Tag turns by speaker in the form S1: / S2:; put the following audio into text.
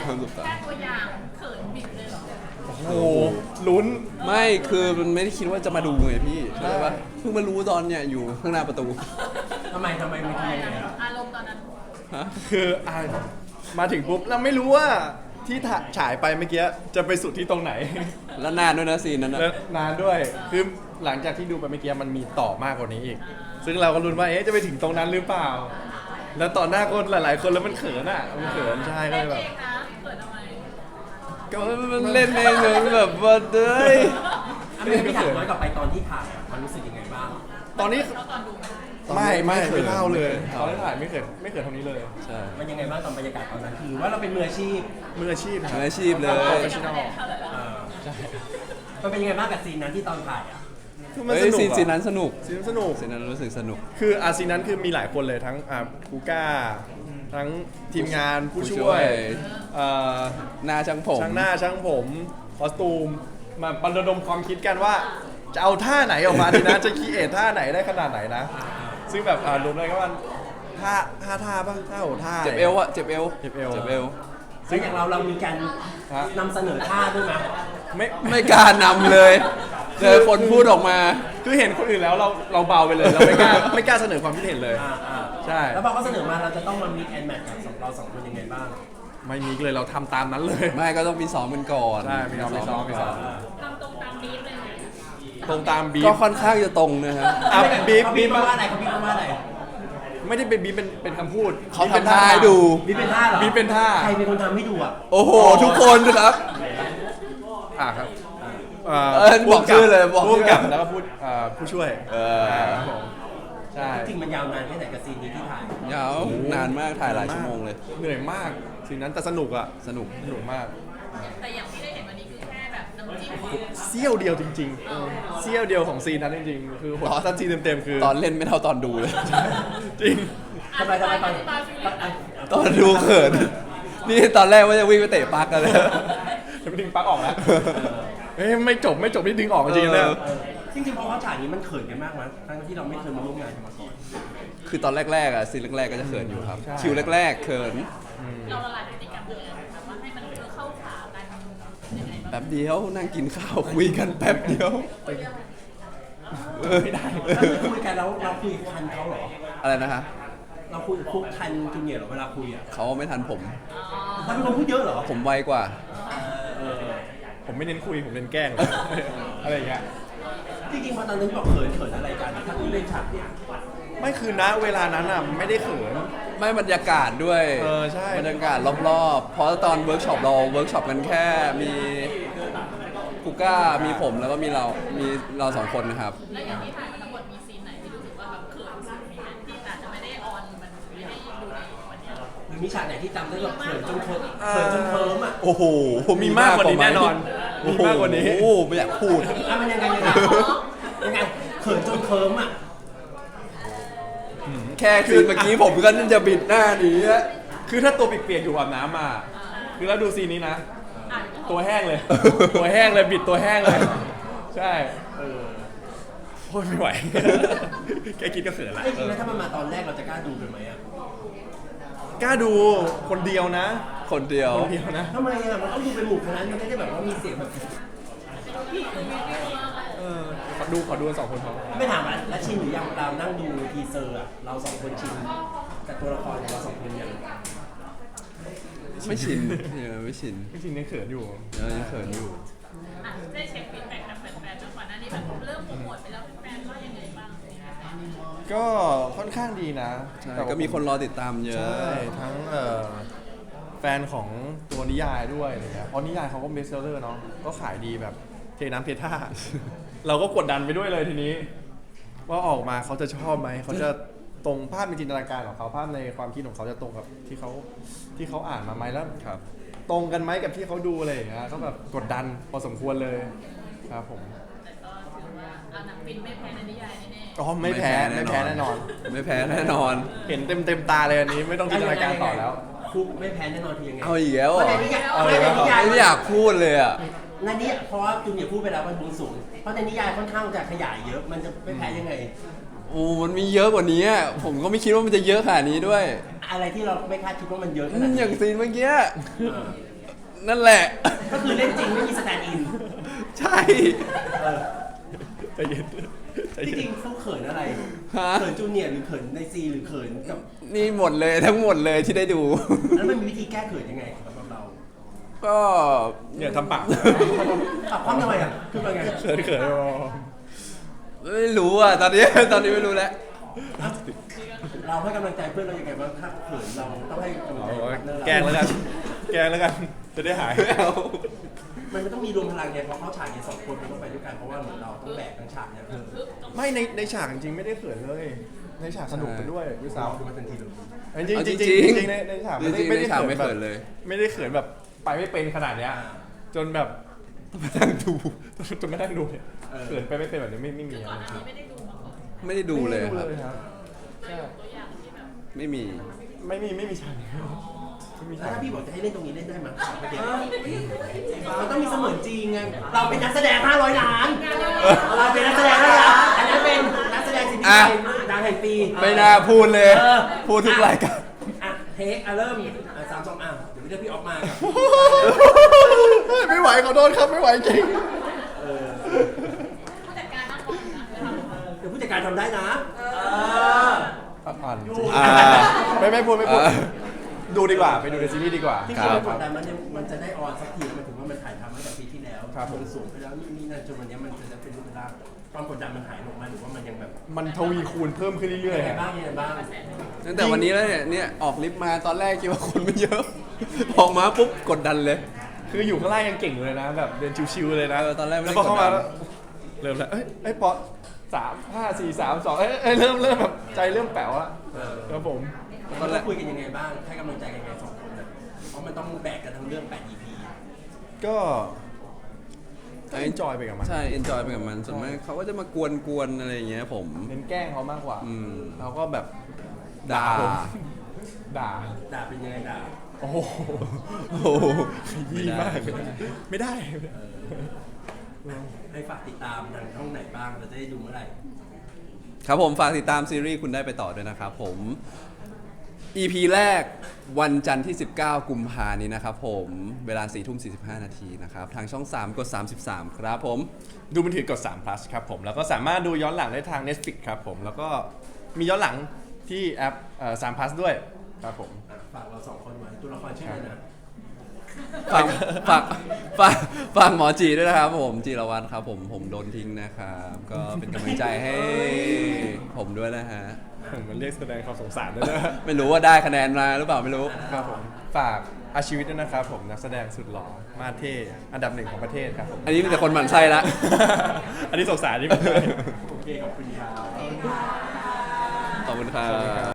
S1: ห้ามสบตา
S2: แค่ตัวอย่างเขินบิดเลยเหรอ
S3: โอ้โหลุ้น
S1: ไม่คือมันไม่ได้คิดว่าจะมาดูไงพี่ใช่ปะเพิ่งมารู้ตอนเนี่ยอยู่ข้างหน้าประตู
S4: ทำไมมันคือยังไง
S2: อารมณ์ตอนนั้น
S1: ฮะ
S3: คือมาถึงปุ๊บเราไม่รู้ว่าที่ฉายไปเมื่อกี้จะไปสุดที่ตรงไหน
S1: แล้วนานด้วยนะซีนนั้นนะ
S3: และนานด้วยคือหลังจากที่ดูไปเมื่อกี้มันมีต่อมากกว่านี้อีก ซึ่งเราก็ลุ้นว่าจะไปถึงตรงนั้นหรือเปล่า แล้วต่อหน้าคนหลาย ๆ คนแล้วมันเขินอ่ะมันเขินใช่ก็
S2: เล่
S3: เล
S2: น
S3: ยแบ
S2: เอบ งนะเขินทำไม
S1: ก็มันเล่นเองเลยแบบว่าเด้ย
S4: ไม่ถามย้อนกลับไปตอนที่ถ่ายมันรู้สึกยังไงบ้าง
S3: ตอนนี้
S2: เราตอนดูไหม
S3: ไม่เท่าเลย
S1: ไม่
S3: ตอนที่ถ่ายไม่เขินเท่านี้เลย
S1: ใช่
S4: มันยังไงบ้างตอนบรรยากาศตอนนั้นคือว่าเราเป็นมืออาชีพ
S3: มืออาชีพครับ
S1: มืออาชีพเลย
S3: โปรเฟชชั่นอล
S4: ใช่มันเป็นยังไงบ้างกับซีนนั้นที่ตอนถ่ายอ่ะ
S3: คือมัน
S1: เฮ้
S3: ส
S1: ย
S3: นุก
S1: ซีน
S3: อะ
S1: นั้นสนุก
S3: ซีนนั้นสนุก
S1: ซีนนั้นรู้สึกสนุก
S3: คือซีนนั้นคือมีหลายคนเลยทั้งคูก้าทั้งทีมงานผู้
S1: ผู้ช่
S3: ช่ว
S1: วย ย
S3: เอ่อ
S1: หน้าช่างผม
S3: ช่างหน้าช่างผมคอสตูมมาประดมความคิดกันว่า จะเอาท่าไหนออกมาดีนะ จะคีเอทท่าไหนได้ขนาดไหนนะ ซึ่งแบบรวมเลยก็ว่าท่าบ้างท่าโหท่า
S1: เจ็บเอวอะเจ็บเอว
S3: เจ็บเอว
S1: เจ็บเอว
S4: ซึ่งอย่างเรามีการ
S3: ฮะ
S4: นำเสนอท่าด้วยไหม
S3: ไม่
S1: ไม่กล้านำเลยเจอคนพูดออกมา
S3: คือเห็นคนอื่นแล้วเราเบาไปเลยเราไม่กล้าไม่กล้าเสนอความคิดเห็นเลย ใช่
S4: แล้วพอเขาเสนอมาเราจะต้องมามิกแอนแมทกับเราสองคนยังไงบ้าง
S3: ไม่มีเลยเราทำตามนั้นเลย
S1: ไม่ก็ต้องมีซ้อมกันก่อน
S3: ใช่มีซ้อม
S1: ก่น
S3: มีซ้อม
S2: ทำตรงตามบีฟเลยไหม
S3: ตรงตามบี
S1: ก็
S3: ฟ
S1: ค่อนข้างจะตรงนะฮะ
S3: บีฟ
S4: เขา
S3: บี
S4: บี
S3: ฟ
S4: บว่าอะไรเขาบีบว่าอะไร
S3: ไม่ได้เป็นบีฟเป็นคำพูด
S1: เขาทำท่าให้ดู
S4: บีบเป็นท่าเหรอ
S3: บีฟเป็นท่า
S4: ใครเป็นคนทำให้ดูอ่ะ
S1: โอ้โห ทุกคนครับ
S3: ครับ
S1: บอกชื่อเลยบอกชื่
S3: ผู้
S1: อ
S3: กำกับแล้วก็ผู้ช่วย ครับผมใช่
S4: จริงมันยาวนานแค่ไหนกับซีนนี้ที่ถ่าย
S1: ยาวนานมากถ่ายหลายชั่วโมงเลย
S3: เหนื่อยมากสิ่งนั้นแต่สนุกอ่ะ
S1: สนุก
S3: สนุกมาก
S2: แต่อย่างที่ได้เห็นวันนี้คือแค่แบบน้ำจิ้ม
S3: เสี้ยวเดียวจริงๆเสี้ยวเดียวของซีนนั้นจริงๆ คือหัวสั้นซีนเต็มๆคือ
S1: ตอนเล่นไม่เท่าตอนดูเลย
S3: จริง
S4: ทำไมตอน
S2: อธิบายฟิลลิ่ง
S1: ตอนดูเขิน นี่ตอนแรกว่าจะวิ่งไปเตะปักกันเลย
S3: จะไปดึงปลั๊กออกแล้วเฮ้ยไม่จบที่ดึงออกจริงๆเลย
S4: จริงๆพอเขาฉากนี้มันเขินกันมากมั้ยทั้งที่เราไม่เคยมาร่วมงานกันมาก่อน
S1: คือตอนแรกๆอ่ะซีนแรกๆก็จะเขินอยู่ครับ คิวแรกๆเขิน
S2: เราละลายพฤติกรรมยังไงแบบว่าให้มันเข้าขากันยังไงบ้าง
S1: แป๊บเดียวนั่งกินข้าวคุยกันแป๊บเดียว
S2: คุยเรื่องอะไร
S3: ไม่ได้
S4: แล้วคือคุยกันแล้วเราคุยทันเขาเหรอ
S1: อะไรนะฮะ
S4: เราคุยคุกทันจูเนียร์เหรอเวลาคุยอ่ะ
S1: เขาไม่ทันผม
S4: เราเป็นคนพูดเยอะเหรอ
S1: ผมไวกว่า
S3: ผมไม่เน้นคุยผมเน้นแกล้ง อะไรอย่างเงี้ย
S4: จริงๆพอตอนนั้นบอกเขินอะไรกันถ้าคุณเล่นฉากเนี่ย
S3: ไม่คือณเวลานั้นอ่ะไม่ได้เขิน
S1: ไม่บรรยากาศด้วย
S3: ใช่
S1: บรรยากาศรอบๆ เพราะตอนเวิร์กช็อปเราเวิร์กช็อปกันแค่มีกูก้ามีผมแล้วก็มีเราสองคนนะครับ
S2: แล้วอย่างที่ถ่ายมาทั้งหมดมีซีนไหนที่รู้สึกว่าแบบเขินสุดมีไหมที่อาจจะไม่ได้ออนมันไม่ได้ดูในวันเนี้ย
S4: หรือมีฉากไหนที่จำได้แบบเขินจนเคิร์มอ่ะ
S1: โอ้โห
S3: มีมากกว่านี้แน่นอนมีมากกว่านี้
S1: โอ้โหไม่อยากพูด
S4: มันยังไงเขินจนเคิร์มอ่ะ
S1: แค่คืนเมื่อกี้ผมก็จะบิดหน้าหนีแล้ว
S3: คือถ้าตัวเปียกๆอยู่อาบน้ำมาคือแล้วดูซีนนี้นะ
S2: อ่ะ
S3: ตัวแห้งเลย ตัวแห้งเลยบิดตัวแห้งเลย ใช่โอ้ยไม่ไหว แค่คิดก็เขินละ
S4: ไอ้จริงแล้วถ้ามันมาตอนแรกเราจะกล้าดูกันไหมอ่ะ
S3: กล้าดูคนเดียวนะ
S1: คนเดียว
S3: คนเดียวนะ
S4: ทำไมอ่ะมันต้องดูเป็นหมู่คณะมันไม่ได้แบบว่ามีเสียงแบบ
S3: ขอดูกันสองคนพอ
S4: ไม่ถามแล้วชินหรือยังเรานั่งดูทีเซอร์อ่ะเราสองคนชินกับตัวละครของเราสองคนยัง
S1: ไม่ชินไม่ชิน
S3: จริงๆเนี่ยเขินอยู่
S1: ยังเขินอยู่
S2: อ่ะได้เช็คฟีดแบ็กจากแฟนๆแล้วก่อนหน้านี้แบบเริ่มโปรโมทไปแล้วแฟนๆว่ายังไงบ้าง
S3: ก็ค่อนข้างดีนะ
S1: ใช่
S3: แต่ว่า
S1: ก็มีคนรอติดตามเยอะ
S3: ใช่ทั้งแฟนของตัวนิยายด้วยอะไรเงี้ยเพราะนิยายเขาก็เบสเซลเลอร์เนาะก็ขายดีแบบเทน้ำเทท่า เราก็กดดันไปด้วยเลยทีนี้ ว่าออกมาเขาจะชอบไหมเขาจะตรงภาพในจินตนาการของเขาภาพในความคิดของเขาจะตรงกับที่เขาอ่านมาไหมแล้ว
S1: ครับ
S3: ตรงกันไหมกับที่เขาดูอะไรอย่างเงี้ยก็แบบกดดันพอสมควรเลยครับผม
S2: แต่ก็ถือว่าเอาหนังฟินไม่แพ้ในนิยายแน่
S3: อ๋อไม่แพ้แน่นอน
S1: ไม่แพ้แน่นอน
S3: เห็นเต็มตาเลยอันนี้ไม่ต้องจินตนาการต่อแล้ว
S4: คุกไม่แพ้แน่นอนทียังไง
S1: เอาอีกแล้ว
S4: เพ
S1: เหร
S4: ราะ
S1: อ
S4: ในนิยาย
S3: เอาอีกแล้ว
S1: ไม่อยากพูดเลยอ่ะ
S4: ในนี้เพราะว่าจูเนียร์พูดไปแล้วมันบุญสูงเพราะในนิยายค่อนข้างจะขยายเยอะมันจะไม่แพ้ยังไง
S1: โอ้มันมีเยอะกว่านี้อะผมก็ไม่คิดว่ามันจะเยอะขนาดนี้ด้วย
S4: อะไรที่เราไม่คาดคิดว่ามันเยอะขนาดนี้
S1: อย่างซีนเมื่อกี้
S4: เออ
S1: นั่นแหละ
S4: ก็คือเล่นจริงไม่มีสแตนด์อิน
S1: ใช่
S4: เออ
S3: ใจเย็นใจ
S4: จ
S3: เย็
S4: ริ
S3: น
S4: งๆเขาเขินอะไร
S1: ฮะ
S4: เขินจูเนียร์หรือเขินในซีหรือเขินกับ
S1: นี่หมดเลยทั้งหมดเลยที่ได้ดู
S4: แล้วมันมีวิธีแก้เขินยังไงสำหรับเรา
S1: ก็
S3: เนี่ยทำปาก
S4: ปรับความทำไมอ่ะคือเป็นไง
S3: เขินเขิน
S1: ไม่รู้อ่ะตอนนี้ ตอนนี้ไม่รู้แล้ว
S4: เราให้กำลังใจเพื่อนเรายังไงบ้างถ้าเขินเราต้องให้กำลังใจพาร์ทเนอร์เรา
S3: แกล้งแล้วกัน แกล้งแล้วกัน จะได้หาย
S4: มันต้องมีรวมพลังไงเพราะเขาฉากเนี่ยสองคนมันต้องไปด้วยกันเพราะว่าเหมือนเราต้องแบกทั้งฉากเนี่ย
S3: ไม่ในฉากจริงๆไม่ได้เขินเลย ในฉากสนุกไปด้วยด้วย
S4: เรา
S3: ซ้ำ
S4: คือมาทันทีเลย
S3: จริง
S1: เอา
S3: จ
S1: จริ
S3: ริ
S1: ง
S3: ง
S1: ๆ
S3: จริงในฉากไม่ได้
S1: จริงๆ
S3: ไม่ได้
S1: ในฉาก
S3: เขิน
S1: ไม่
S3: แบบ
S1: เขินเลย
S3: ไม่ได้เขินแบบไปไม่เป็นขนาดเนี้ยจนแบบต้องมานั่งดูจนมานั่งดูเนี่ยเขินไปไม่เป็นแบบนี้ไม่มี
S2: ก่อนหน้านี้ไม่ได้ดูมาก่อน
S1: ไม่ได้ดูเลยครับ
S3: ครับใช่
S2: ตัวอย่างที่แบบ
S1: ไม่มี
S3: ไม่มีฉากนี้ไม่มี
S4: แล้
S3: ฉาว ก
S4: ถ้าพี่บอกจะให้เล่นตรงนี้เล่นได้ไหมเมื่อกี้มันต้องมีเสมือนจริงไงเราเป็นนักแสดง500 ล้าน เราเป็นนักแสดง500 ล้านอันนั้นเป็นนักแสดงสิบปี
S1: อ่ะ
S4: ดังแห่งปี
S1: ไม่น่าพูดเลย
S4: เออ
S1: พูดทุกรายการ
S4: อ่ะเทคเริ่ม3 2เดี๋ยวพี่เรียกพี่ออกมาครับ
S3: ไม่ไหวขอโทษครับไม่ไหวจริง
S2: ผู้จัดการนั่งมองนะเวลาเรา
S4: เดี๋ยวผู้จัดการทำได้นะ
S3: อ่านจริง
S1: อ่า
S3: ไม่พูดดูดีกว่าไปดูในซีรีส์ดีกว่า
S4: ที่
S1: ค
S4: คุ
S1: รั
S4: ณ
S1: บ
S4: กดดันมันจะได้ออนสักทีมันถึงว่ามันถ่ายทำมาจากปีที่แล้ว
S3: ครับผม
S4: นสูงไปแล้วนี่นั่นจนวันนี้มันจะเป็นรูปร่างความกดดันมันหายลงมาหรือว่ามันยังแบบ
S3: มันทวีคูณเพิ่มขึ้นเรื่อย
S4: ยังไง
S3: ๆ
S4: บ้างยังไงบ้าง
S1: ตั้งแต่วันนี้แล้วเนี่ยออกลิฟต์มาตอนแรกคิดว่าคนไม่เยอะ ออกมาปุ๊บกดดันเลย
S3: คืออยู่ข้างล่างยังเก่งอยู่เลยนะ แบบเดินชิวๆเลยนะ
S1: ตอนแรกไม่
S3: แล้
S1: ได้
S3: วพอเข้ามา
S1: ดดัน
S3: เริ่มแล้วเอ้ยปอ3 5 4 3 2เริ่มแบบใจเริ่มแป๋วอะครับผม
S4: ตอนแรกคุยกันยังไงบ้างให้กำลังใจกันยังไง2 คนนะเพราะมันต้องแบกกันทั้งเรื่อง8 EP
S3: ก็เอนจอยไปกับมัน
S1: ใช่เอนจอยไปกับมันส่วนมากเขาก็จะมากวนๆอะไรอย่างเงี้ยผม
S3: เน้นแกล้งเขามากกว่า
S1: อืม
S3: เราก็แบบ
S1: ด่า
S3: ผมด่า
S4: ด่าเป็นยังไงด่า
S3: โอ้โห
S1: โอ้โห
S3: ยี่มากไม่ได้
S4: ให้ฝากติดตามทางช่องไหนบ้างเราจะได้ดูเมื่อไหร่
S1: ครับผมฝากติดตามซีรีส์คุณได้ไปต่อด้วยนะครับผม EP แรกวันจันทร์ที่ 19 กุมภานี้นะครับผมเวลา 4:45 นาทีนะครับ ทางช่อง 3 กด 33 ครับผม
S3: ดูมือถือกด3 plus ครับผม แล้วก็สามารถดูย้อนหลังได้ทาง Netflix ครับผม แล้วก็มีย้อนหลังที่แอป3 plus ด้วยครับผม
S4: ฝากเรา2 คนไว้ตัวละครชื่ออะไรนะ
S1: ฝากฝากฝากฝากหมอจีด้วยนะครับผมจีรวัตรครับผมโดนทิ้งนะครับ ก็เป็นกำลังใจให้ผมด้วยนะฮะ
S3: มันเรียกแสดงความสงสารด้วยนะ
S1: ไม่รู้ว่าได้คะแนนมาหรือเปล่าไม่รู้
S3: ครับผม ฝากอาชีวิตด้วยนะครับผม นักแสดงสุดหล่อ มาเท่ อันดับ 1 ของประเทศครับผม
S1: อันนี้มีแต่คนหมั่นไส้ละ
S3: อันนี้สงสารนี่ไม่ใช่
S4: โอเคขอบคุณครับ
S1: ขอบคุณครับ